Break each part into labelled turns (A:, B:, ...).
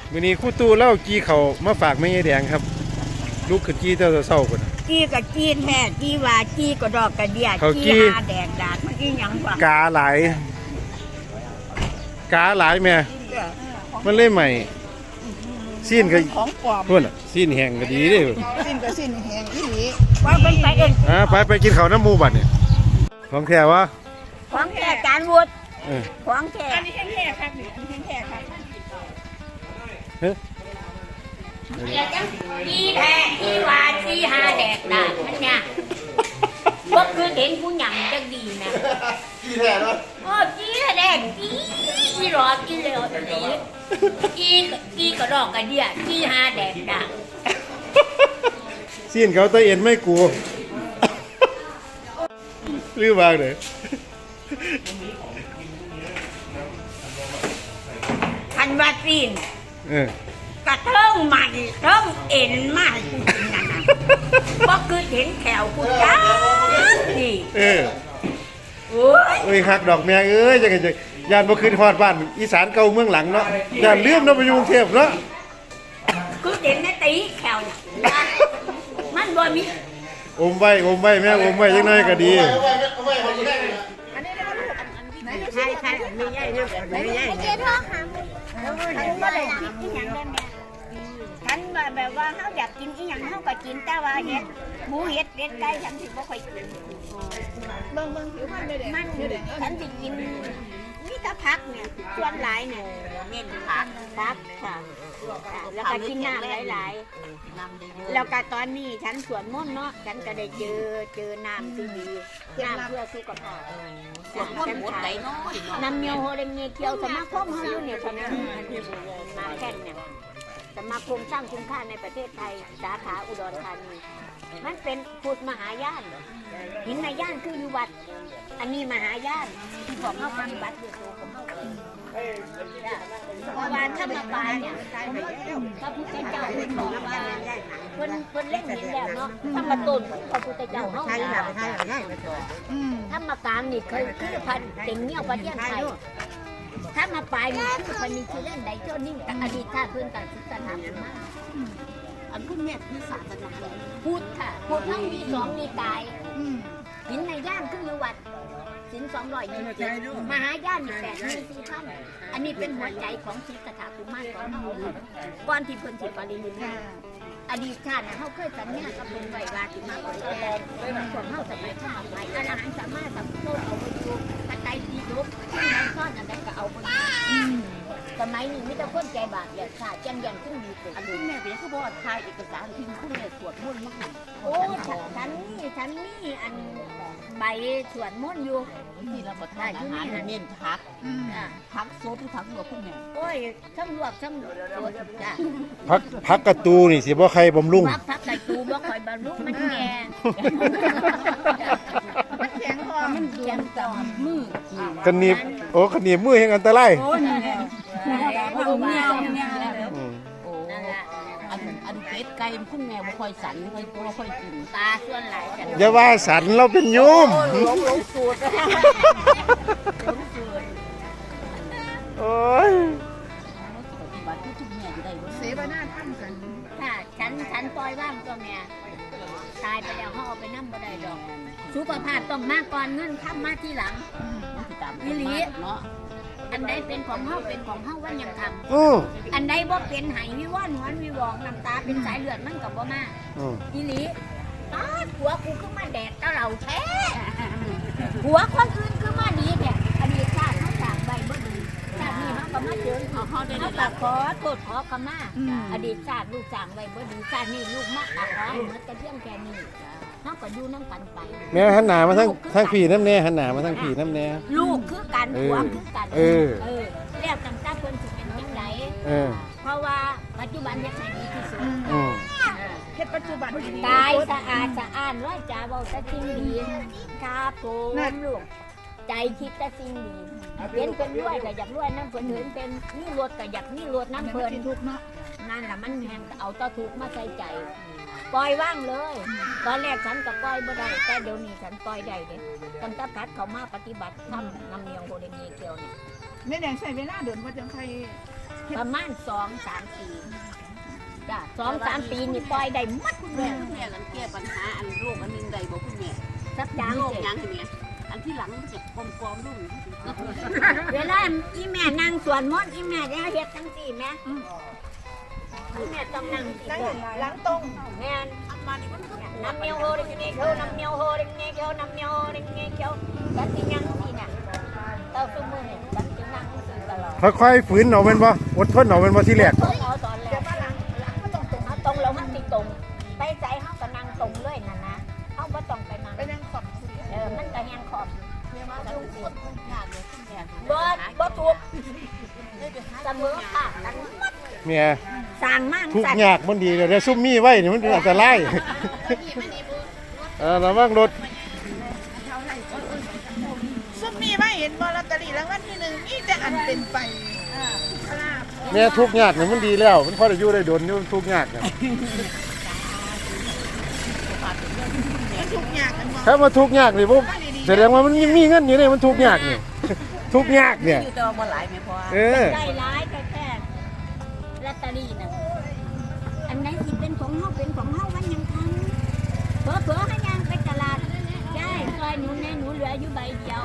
A: มื้อนี้ครู่ตู้เล่ากี้เขามาฝากแม่ยายแดงครับลูกขึ้นกี้เจ้าเศร้าพุ่น
B: จี้กับจี้แท้จี้ว่าจี้กระดอกกระเดีย
A: เขาจี้
B: จี้หาแดกดาดมันอีหยังวะ
A: กาหลายแม่มันเลยใหม่ซีนก็
C: ของปลอม
A: พุ่นน่ะซีนแห้งก็ดีเด้
C: สิ้นก็สิ้นแหงอีหลี
B: ว่าเป็นไปเอง
A: ไปกินข้าวน้ำหมูบัดนี่ของแท้วะ
B: ของแท้จานวุฒิ
A: เออ
B: ของแท้
C: อันนี้แห้งๆครับนี่อันนี้แห้งๆครับ
A: เฮ้ย
B: จี้แท้จี้ว่าจี้หาแดกดาดมันเนี่ยบ่คือเห็นผู้หยังจังดีนะ
A: กี้แท้เนาะ
B: โอ้จี้แดกจี้อีหลอจี้เลยจี้กระดอกกระเดียจี้หาแดกดาด
A: ซีนเขาตะเอ็นไม่กลัวลืมวางเลย
B: คันว่าซีน
A: เออก
B: ระเทิงใหม่เทิงเอ็นมาให้กูกินนั่นน่ะบ่คือเห็นแขวกูจ้านี่
A: เออ
B: โอ้ย
A: เอ้ยฮักดอกแม่เอ้ยจังไงจังยานบ่ขึ้นฮอดบ้านอีสานเก่าเมืองหลังเนาะยานลืมเนาะไปอยู่กรุงเทพเนาะ
B: คือเห็นในตีแขวน่ะมันบ่มี
A: อมไว้แม่อมไว้จังได๋ก็ดี
B: ใช่ใช่มีใหญ่เรื่องมีใหญ่เจ้าท้องหาฉันบ่ได้คิดอีหยังได้แม่ฉันว่าแบบว่าเฮาอยากกินอีหยังเฮาก็กินแต่ว่าเฮ็ดหมูเฮ็ดเป็ดไก่ฉันสิบ่ค่อยกิน
C: เบิ่งผิวพรรณไม่ได้
B: มันฉันสิกินมีแต่ผักเนี่ยส่วนหลายเนี่ยเน้นผักค่ะแล้วก็กินน้ำหลายๆแล้วก็ตอนนี้ฉันสวนมนต์เนาะฉันก็ได้เจอน้ำที่ดีน้ำเพื่อสุขภาพสวนมนต์หมดไหลน้อยน้ำเมียวโฮเรเมียเกียวสมาคมเขาอยู่เนี่ยคนนั้นมาแค่เนี่ยสมาคมสร้างคุณค่าในประเทศไทยสาขาอุดรธานีมันเป็นพุทธมหายานหินในย่านคืออยู่วัดอันนี้มหายานที่ของเขาทำบัตรอยู่ตัวของเขาเพราะว่าถ้ามาปลายเนี่ยพระพุทธเจ้าเพิ่นบอกว่าเพิ่นเล่นหินแล้วเนาะถ้ามาต้นพระพุทธเจ้าเขาถ้ามากลางนี่คือพันเต็มเงี้ยวประเทศไทยถ้ามาปลายนี่คือพันนี้คือเล่นใดเจ้านิ่งกับอดีตข้าเพื่อนต่างศึกษาธรรมมาอันพุ่นเนี่ยคือศาสนาพุทธค่ะพุทธทั้งมีสองมีกายหินในย่านคืออยู่วัดสิน220มหาย่าน8,400อันนี้เป็นหัวใจของศรีสถากุมารของเราก่อนที่เพิ่นสิปรินิพพานอดีตชาติเขาเคยสัญญากับเพิ่นไว้ว่าสิมาบริแทนส่วนเฮาสมัยข้าไปอาหารสามารถสัมโตเอาไปอยู่ปัจจัยที่ลุกที่มันซ่อนอันใดก็เอาไปสมัยนี้มีแต่คนใจบาปเนี่ยค่ะจันยันขึ้นดีสุดอันนี้แม่เป็นเขาบอกถ่ายเอกสารทิ้งคุณเนี่ยสวดมนต์มากโอ้ฉันนี่อันใบสวดมนต์อยู่ที่เราทานอาหารเน้นพักโซ่ที่พักหัวคุณแม่โอ้ยทั้งลวกทั้งสดจ้ะ
A: พักกระตูนี่สิบ่ใครบำรุง
B: พักไก่ตูบ่ค่อยบำรุงมันแก่
C: มันแข็งคอมัน
B: แก่ต่อมือ
A: กันหนีบกันหนีบมือแห่งอันตราย
C: โอ้นี่แหละเอาเมียแล้ว
B: นั่นล่ะ
D: อันเป็ดไก่คุณแม่บ่ค่อยสันบ่ค่อยกิน
B: ตาส่วนหลายฉัน
A: อย่าว่าสันเราเป็นโยม
B: ลงสูตร
A: โอ้ย
D: ปฏิบัติทุกๆแม่ได้บ่
C: เสวนาทำกัน
B: ค่ะฉันปล่อยว่างตัวแม่ตายไปแล้วเขาเอาไปนั่งบ่ได้ดอกสุขภาพต้องมาก่อนเงินค้ำมาที่หลัง
D: มันสิตาม
B: อีหลี
D: เนาะ
B: อันใดเป็นของเฮาเป็นของเฮาวันยังทำ
A: อือ
B: อันใดบ่เป็นไหวิว่อนหวนวิวองน้ำตาเป็นสายเลือดมันกับบ่มา
A: อือ
B: อีหลีอ้าผัวกูคือมาแดดตะเหล่าแท้ผัวคนอื่นคือมาดีเนี่ยอดีตชาติเขาจากใบบ่ดีชาตินี้เขาก็มาเจอเขาได้รับขอโทษขอขมาอดีตชาติลูกจางใบบ่ดีชาตินี้ลูกมาขอเหมือนแต่เพียงแค่นี้เขาก็อยู่น้ำกันไป
A: แม่หันหน้ามาทางพี่น้ำแน่หันหน้ามาทางพี่น้ำแน่
B: ลูกคือกันผัวคือกัน
A: เออ
B: แล้วตั้งแต่เพิ่นสิเป็นจังได
A: เออ
B: เพราะว่าปัจจุบันเฮ็ดให้ดีที่สุด
A: อือ
C: เฮ็ดปัจจุบัน
B: กายสะอาดสะอ้านร้อยจ่าเว้าแต่สิ่งดีครับผมลูกใจคิดแต่สิ่งดีเห็นเป็นรวยก็อยากรวยน้ำเพิ่นเห็นเป็นนี่รถก็อยากนี่รถน้ำเพิ่น
C: ทุกเนาะ
B: นั่นล่ะมันแฮงเอาตะถูกมาใส่ใจ ปล่อยว่างเลย ตอนแรกฉันก็ปล่อยบ่ได้แต่เดี๋ยวนี้ฉันปล่อยได้เด้ตั้งแต่พัดเขามาปฏิบัติธรรมนำเนียงโบเดเมียเกียวเนี่ย
C: แม่แดงใช้เวลาเดินว่าจังใคร
B: ประมาณ2-3 ปีจ้ะ2-3 ปีนี่ปล่อยได้หมดเลย
D: แม่กันแก้ปัญหาอันโรคอันนึงใดบ่คุณแม่
B: สักอย่าง
D: โรค
B: เสร็จ
D: ยังเนี่ยอันที่หลังมันจะกลมๆรุ่ง
B: เวลาอีแม่นั่งสวนมดอีแม่จะเฮ็ดจังซี่แม่อีแม่ต้องนั่งสิ
C: นั่ง
B: เด้อ
C: หลังตรง
B: แม่น
D: อันมานี่มันก็
B: น้ำเมียวโฮดิเงี้ยเขียวน้ำเมียวโฮดิเงี้ยเขียวน้ำเมียวโฮดิเงี้ยเขียวฉันสิยังสิน่ะเต้าซุมื้อนี่ฉันสินั่งสิตลอด
A: ค่อยๆฝืนเอาแม่นบ่อดทนเอาแม่นบ่ที่แรก
B: ต้องเอาตอนแร
C: เดี๋ยว
B: ก
C: มาหลังก็ต้องตรง
B: เอาตรงแล้วมันสิตรงไปใจเฮาก็นั่งตรงเลยน่ะนะเฮาบ่ต้องไปนั่ง
C: ไปนั่งขอบ
B: มันก็แฮงขอบ
D: มาดูคนทุกอย่างเลยคุณแม่
B: บ่ถูกเสมอค่ะกันหมด
A: เมีย
B: สร้างมั่ง
A: ทุก
B: สั่น
A: ยากมันดีเดี๋ยวซุ่มมีไว้นี่มันอันตรายระวังรถ
C: ซุมมีไว้เห็นบอลอตเตอรี่รางวัลที่1มีแต่อันเป็นไป
A: แม่ทุกยากนี่มันดีแล้วมันพอได้อยู่ได้โดนอยู่ทุกยากน่ะ
C: มันทุกอย่างกันบ่
A: ถ้ามาทุกยากนี่บ่แสดงว่ามันยังมีเงินอยู่นี่มันทุกยากนี่ ทุกยากเนี่ย
D: อยู่ตัวบ่หลายแม่พอ
A: เออ
B: ได้ร้ายแค่ลอตเตอรี่น่ะอันไหนสิเป็นของเฮาเป็นของเฮาวันยังทันเผลอๆให้ยางไปตลาดยายซอยหนูแน่หนูเหลืออยู่ใบเดียว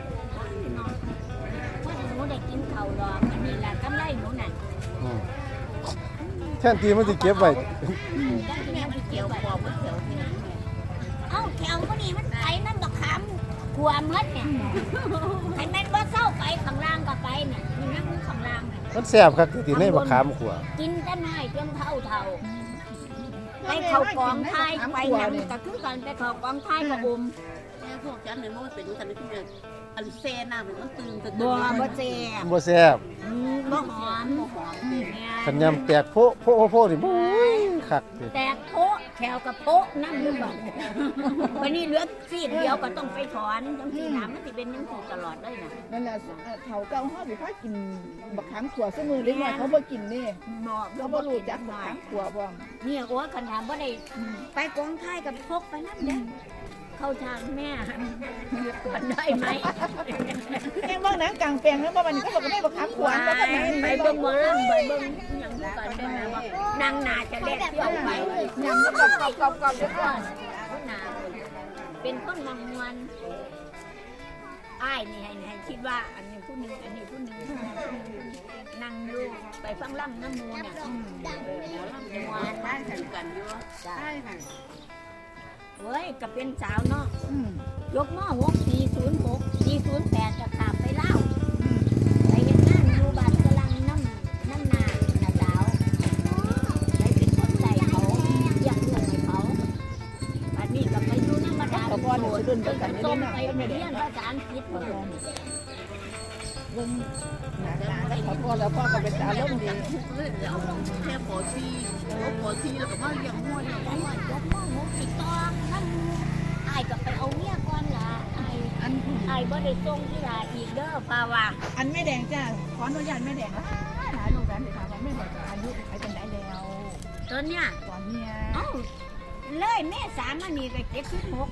B: เพราะหนูได้กินข้าวดอกอันนี้ล่ะกำไรหนูน่ะ
A: อืมแทนที่มันสิเก็บไว้
B: จังสิแม่สิเกี่ยว
D: บ
B: ไว้
D: อกว่าเขียวที่ไหน
B: เอ้าแถวก็นี่มันไปนั่นบักขามขัวเมดเนี่ยไอ้แม่นบ่เศร้าไปข้างล่างก็ไปเนี่ยนี่นั่งอยู่ข้างล่างเนี่ย
A: มันแซ่บคักที่ในบักขามขัว
B: กินแต่น้อยจนเท่าไปเข้ากองไทยไปหนังก็คือกันไปเข้ากองไทยก็บุม
D: แม่พวกฉันเนี่ยมันเป็นกันที่เนี่ยอันเซน่ะมันตื่น
B: บ่เจ็บ
A: บ่แซ่บ
B: บ่หอม
D: หอมดิ
A: ขันยำแตกโพะโพะโพะนี่บุ้ยคักเลย
B: แตกโพะแถวกับโพะนั่งอยู่ก่อนวันนี้เหลือซีดเดียวก็ต้องไปถอนจังซี่น้ำมันสิเป็นจังซี่ตลอดเลยน่ะ
C: นั่นแหละเฒ่าเก่าเฮาสิพากินบักขามขัวซุมือเล็กน้อยเขาบ่กินนี่
B: เหมาะ
C: เขาบ่รู้จักบักขามขัวบ่
B: เนี่ยโอ้ยคันถามบ่ได้ไปกองไทยกับพกไปนั่นเด้เข้าทางแม่ก่อนได้ไหม
C: แม่งเบิ่งหนังกลางแปลงแล้วบ่มันก็บอกว่าแม่บักขามขัวอันก็ไหน
B: ไปเบิ่งหมอลำไปเบิ่งหยังก่อนได้ไหมว่านางนาจะเล็ดเที่ยวไป
C: ยำแล้วก็กรอบๆๆเดี๋ยวก่อน
B: คนนาเป็นคนมังมวนอ้ายนี่ให้คิดว่าอันนี้ผู้หนึงอันนี้ผู้หนึงนั่งอยู่ไปฟังลำน้ำมูน่ะหมอลำมวนได้ถึงกันอยู่ใช่ค่ะเฮ้ยก็เป็นสาวเนาะยกหม้อ6 406 408จะขับไปเล่าไปเห็นงานอยู่บ้านกำลังน้ำนาสาวไปเป็นคนใส่เขาอยากลูกให้เขาอันนี้ก็ไปอยู่น้ำมาดาม
C: ขอบอลเนี่ยสิดุนกันกัน
B: ต้
C: นี่
B: ม
C: นะ
B: ไปเรียนภาษาอังกฤษเพิ่น
C: เบิ่งหน้าตาแล้วขอแล้วพ่อก็เป็นตาล้มดี
D: เลยเอาแค่ปอชีปอชีแล้วก็มาเลี้ยงม้วน
B: ยกหม้อ6สิตองนั่นอ้ายก็ไปเอาเมียก่อนล่ะอ้ายบ่ได้ส่งที่ลาอีกเด้อป่าว่า
C: อันแม่แดงจ้าขออนุญาตแม่แดงนะหาลูกหลานไปถามว่าแม่แดงอายุไปเป็นไหนแล้ว
B: ตอนเนี้ย
C: ตอนเนี้ย
B: เอ้าเลยแม่สามอันนี้ก็76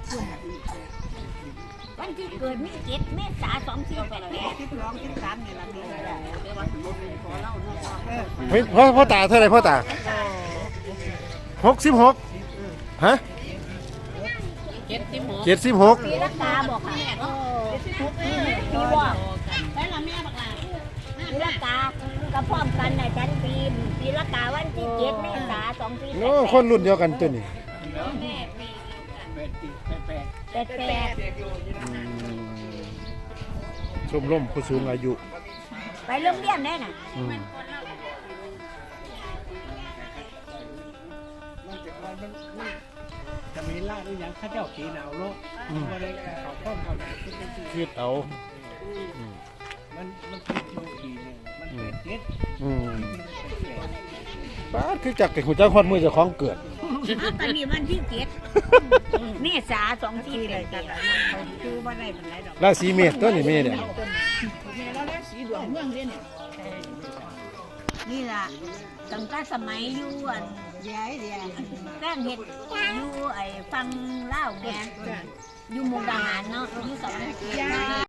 B: วันที่เกิดมี7เมษายน2488
C: 12 13นี่ล่ะนี่
D: เดี๋ยววันรถขอเล่าเนาะ
A: เฮ้ยพ่อตาเท่าไหร่พ่อตา66ฮะ 76
B: ปีละกาบอกค่ะปีบอก
D: แล้วล่ะแม่บักหลา
B: ปีละกาก็พร้อมกันน่ะจันปีละกาวันที่7เมษายน2488
A: โอ้คนรุ่นเดียวกันตัวนี้ ชมรมผู้สูงอายุ
B: ไปโรงเรียนได้น่ะ
A: อืม
E: จะมีล่าหรือยังข้าเจ้าขีหนาวโลกมาเลยเขาข้อมเขาไหนที่เป็นที่
A: คิดเอา
E: มันคิดดูขีหนึ่งมันเป็นเจ็ด
A: อืมป้าดคือจักกับหูจักฮอดมือเจ้าของเกิด
B: ตอนนี้วันที่7เมษายน2488คือบ่ได้ปานใดดอก
A: ราศีเมษตัวนี้เมษเนี่ย
C: แม่เราแล้วสีดวงเมืองเด้เนี่ย
B: นี่ล่ะตั้งแต่สมัยอยู่อัน
C: เดี๋ยว
B: แป้งเห็ดอยู่ไอ้ฟังเล่าวแม่อยู่มุกดาหารเนาะอยู่สอง